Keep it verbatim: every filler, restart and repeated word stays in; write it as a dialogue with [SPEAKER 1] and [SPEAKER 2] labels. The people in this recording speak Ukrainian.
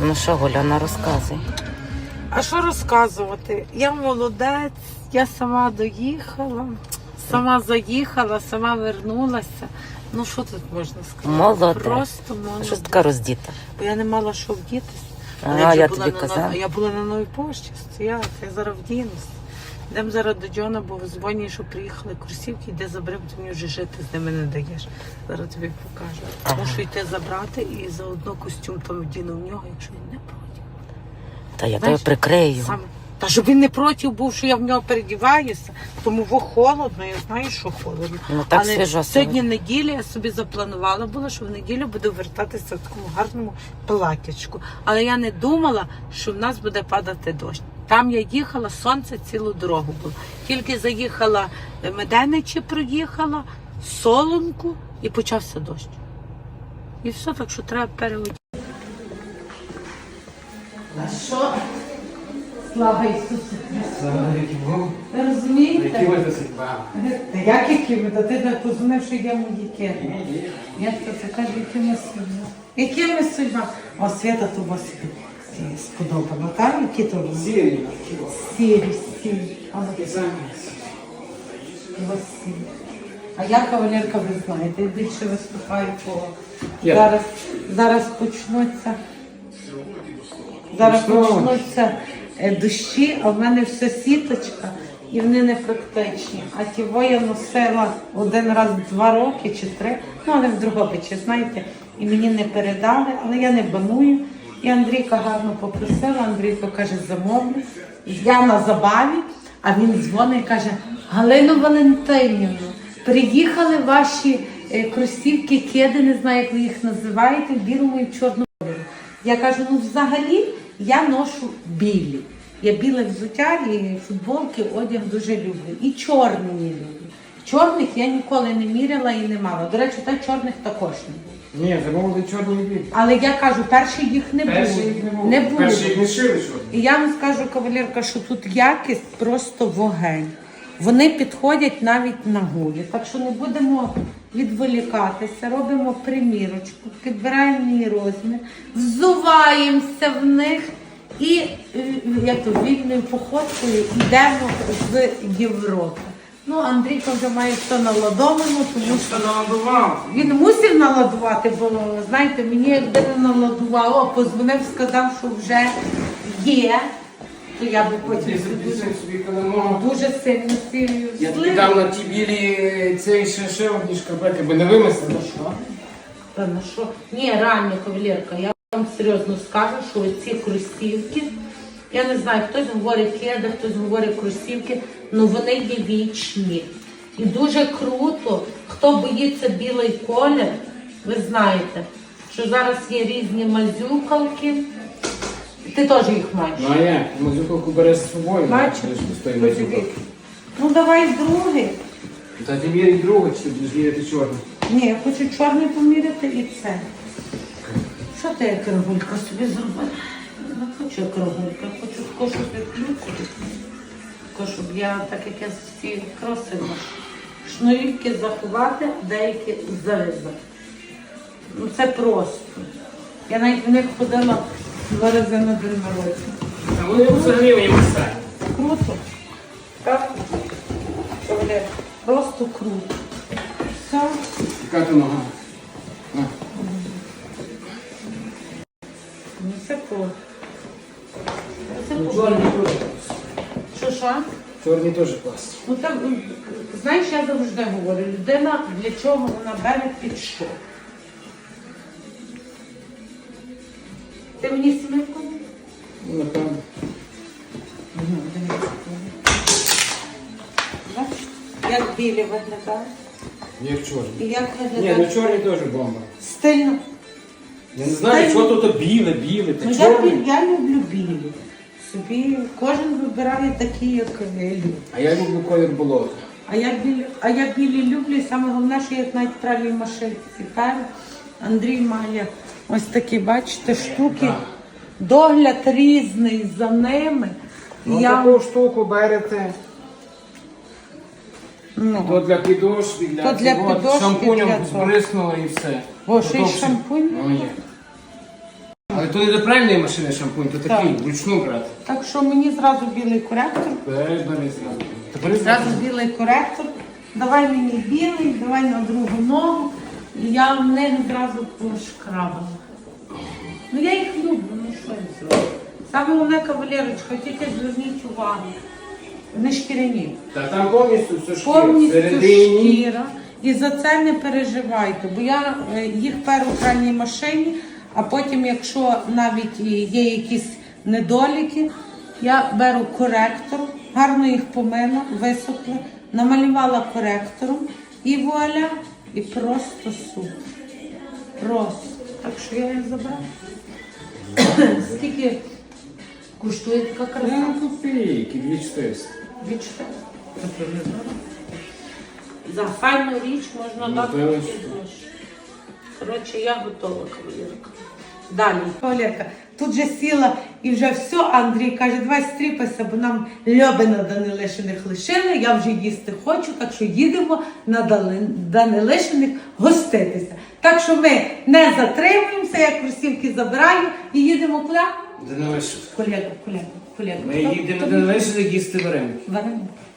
[SPEAKER 1] Ну що, Гуляна, розказуй.
[SPEAKER 2] А що розказувати? Я молодець, я сама доїхала, сама заїхала, сама вернулася. Ну що тут можна сказати?
[SPEAKER 1] Молодець.
[SPEAKER 2] Просто молодець.
[SPEAKER 1] А що ти така роздіта?
[SPEAKER 2] Бо я не мала що вдітися.
[SPEAKER 1] А,
[SPEAKER 2] я,
[SPEAKER 1] я
[SPEAKER 2] була
[SPEAKER 1] тобі
[SPEAKER 2] на,
[SPEAKER 1] казала.
[SPEAKER 2] Я була на новій пошті, стояла, я зараз вдінусь. Йдемо зараз до Джона, бо дзвонять, що приїхали курсівки, йде забери, бо ти мені вже жити з ними не даєш. Зараз тобі покажу.
[SPEAKER 1] Ага.
[SPEAKER 2] Мушу йти забрати і заодно костюм там вдіну в нього, якщо він не проти.
[SPEAKER 1] Та я
[SPEAKER 2] Знаєш,
[SPEAKER 1] тебе прикрию.
[SPEAKER 2] Саме. Та щоб він не проти був, що я в нього передіваюся, тому во холодно, я знаю, що холодно.
[SPEAKER 1] Ну так
[SPEAKER 2] Але
[SPEAKER 1] свіжо
[SPEAKER 2] сьогодні неділя, я собі запланувала було, що в неділю буду вертатися в такому гарному платячку. Але я не думала, що в нас буде падати дощ. Там я їхала, сонце цілу дорогу було. Тільки заїхала Меденичі, проїхала, Солонку і почався дощ. І все, так що треба переодягти. А що? Слава Ісусу Христу! Ви розумієте? Та як які ви? Та ти не позвонив, що я мої кери. Я це кажу, якими судьба. Якими судьба? О, Свята, то вас сподобано, так? Які то вони?
[SPEAKER 3] Сірі.
[SPEAKER 2] Сірі, сірі. А я, кавалерка, ви знаєте, я більше виступаю по...
[SPEAKER 3] Я.
[SPEAKER 2] Зараз, зараз почнуться... Зараз почнуться е, дощі, а в мене все сіточка, і вони не практичні. А тіво я носила один раз два роки чи три, ну але в Дрогобичі, знаєте, і мені не передали, але я не баную. І Андрійка гарно попросила, Андрійко каже, замовлю. Я на забаві, а він дзвонить і каже, Галину Валентинівну, приїхали ваші е, кросівки, кеди, не знаю, як ви їх називаєте, в білому і в чорному кольорі. Я кажу, ну взагалі я ношу білі. Я біле взуття і футболки, одяг дуже люблю. І чорні люблю. Чорних я ніколи не міряла і не мала. До речі, так чорних також не було.
[SPEAKER 3] Ні, замовили чорні і білі.
[SPEAKER 2] Але я кажу, перші їх не було.
[SPEAKER 3] Перші їх не було.
[SPEAKER 2] Не було.
[SPEAKER 3] Перші їх не шили чорні.
[SPEAKER 2] І я вам скажу, кавалерка, що тут якість просто вогень. Вони підходять навіть на гулі. Так що не будемо відволікатися, робимо примірочку, підбираємо мій розмір, взуваємося в них і як то, вільною походкою йдемо з Європи. Ну, Андрійко вже має все наладовано, тому що
[SPEAKER 3] наладував.
[SPEAKER 2] він мусив наладувати, бо, знаєте, мені якби не наладувало, а позвонив, сказав, що вже є. То я би потім дуже,
[SPEAKER 3] собі каленого.
[SPEAKER 2] дуже сильно сильно
[SPEAKER 3] Я тобі дав на ті білі цей ще, ще одні шкарпетки, бо не вимисли. Ну що?
[SPEAKER 2] Та на що? Ні, реально, кавалерка, я вам серйозно скажу, що ці кросівки, я не знаю, хтось говорить кеди, хтось говорить кросівки, але вони є вічні. І дуже круто, хто боїться білий колір, ви знаєте, що зараз є різні мазюкалки. Ти теж їх маєш.
[SPEAKER 3] Ну а як? Мазюкалку береш з собою.
[SPEAKER 2] Бачиш?
[SPEAKER 3] Мазюкалку.
[SPEAKER 2] Ну давай другий.
[SPEAKER 3] Та ти міряй другу, чи ти будеш міряти чорну?
[SPEAKER 2] Ні, я хочу чорний поміряти і це. Що ти як рогулька собі зробила? Не хочу як рогулька, хочу таку, щоб відключити. Таку, щоб я, так як я всі кроси ношу. Шнурівки заховати, деякі зав'язати. Ну це просто. Я навіть в них ходила два рази на день народження.
[SPEAKER 3] А вони взагалі мені мисають.
[SPEAKER 2] Круто. Так? Просто круто. Все.
[SPEAKER 3] Яка ти нога? На.
[SPEAKER 2] Ну це по. Це
[SPEAKER 3] Ну,
[SPEAKER 2] по.
[SPEAKER 3] чорні теж клас.
[SPEAKER 2] Що, що?
[SPEAKER 3] Чорні теж клас.
[SPEAKER 2] Ну так, знаєш, я завжди говорю, людина для чого вона бере під що? Ти мені сімейку?
[SPEAKER 3] Ну, напевно.
[SPEAKER 2] Бачиш, як білі виглядають.
[SPEAKER 3] Як чорні.
[SPEAKER 2] І як
[SPEAKER 3] Ні,
[SPEAKER 2] виглядають.
[SPEAKER 3] ну чорні теж бомба.
[SPEAKER 2] Стильно.
[SPEAKER 3] Я не знаю, що тут біле, біле,
[SPEAKER 2] Ну,
[SPEAKER 3] та
[SPEAKER 2] я,
[SPEAKER 3] чорне.
[SPEAKER 2] бі- я люблю білі. Собі кожен вибирає такі, як любить.
[SPEAKER 3] А я люблю колір болота.
[SPEAKER 2] А я білі, а я білі люблю, і саме головне, що я навіть в пральній машинці перу. Андрій має ось такі, бачите, штуки.
[SPEAKER 3] Так.
[SPEAKER 2] Догляд різний за ними.
[SPEAKER 3] Ну,
[SPEAKER 2] я...
[SPEAKER 3] таку штуку берете.
[SPEAKER 2] ну.
[SPEAKER 3] То для підошви, для,
[SPEAKER 2] То для
[SPEAKER 3] цього,
[SPEAKER 2] підошви,
[SPEAKER 3] шампунем
[SPEAKER 2] для того.
[SPEAKER 3] збриснула і все.
[SPEAKER 2] О, ще й
[SPEAKER 3] Готовше.
[SPEAKER 2] шампунь?
[SPEAKER 3] Ну, є. А Але то не до пральної машини шампунь, то такий,
[SPEAKER 2] Так.
[SPEAKER 3] вручну брати.
[SPEAKER 2] Так що мені зразу білий коректор.
[SPEAKER 3] Бери, бери зразу. Тепер
[SPEAKER 2] Зразу білий коректор. Давай мені білий, давай на другу ногу. І я в них одразу пошкрабала. Ну я їх люблю, ну що я зроблю. Саме головне кавалерочка, тільки зверніть увагу. Вони шкіряні.
[SPEAKER 3] Та там повністю все шкіра.
[SPEAKER 2] Повністю
[SPEAKER 3] Всередині.
[SPEAKER 2] шкіра. І за це не переживайте, бо я е, їх перу в пральній машині, а потім, якщо навіть і є якісь недоліки, я беру коректор, гарно їх помила, висохли, намалювала коректором і вуаля, і просто супер. Просто. Так що я їх забрала. Скільки коштує така краса?
[SPEAKER 3] Ну, копійки, дві чотириста.
[SPEAKER 2] Відчуття. За файну річ можна дати
[SPEAKER 3] Напевно,
[SPEAKER 2] такі
[SPEAKER 3] що.
[SPEAKER 2] гроші. Коротше, я готова, кавалерка. Далі. Кавалерка, тут же сіла і вже все, Андрій каже, давай стріпайся, бо нам Льобина Данилишиних лишили, я вже їсти хочу, так що їдемо на Дали- Данилишиних гоститися. Так що ми не затримуємося, я кросівки забираю і їдемо куди?
[SPEAKER 3] Данилишин.
[SPEAKER 2] Колега, колега, колега.
[SPEAKER 3] Ми їдемо до Данилишина їсти вареники.
[SPEAKER 2] Вареники.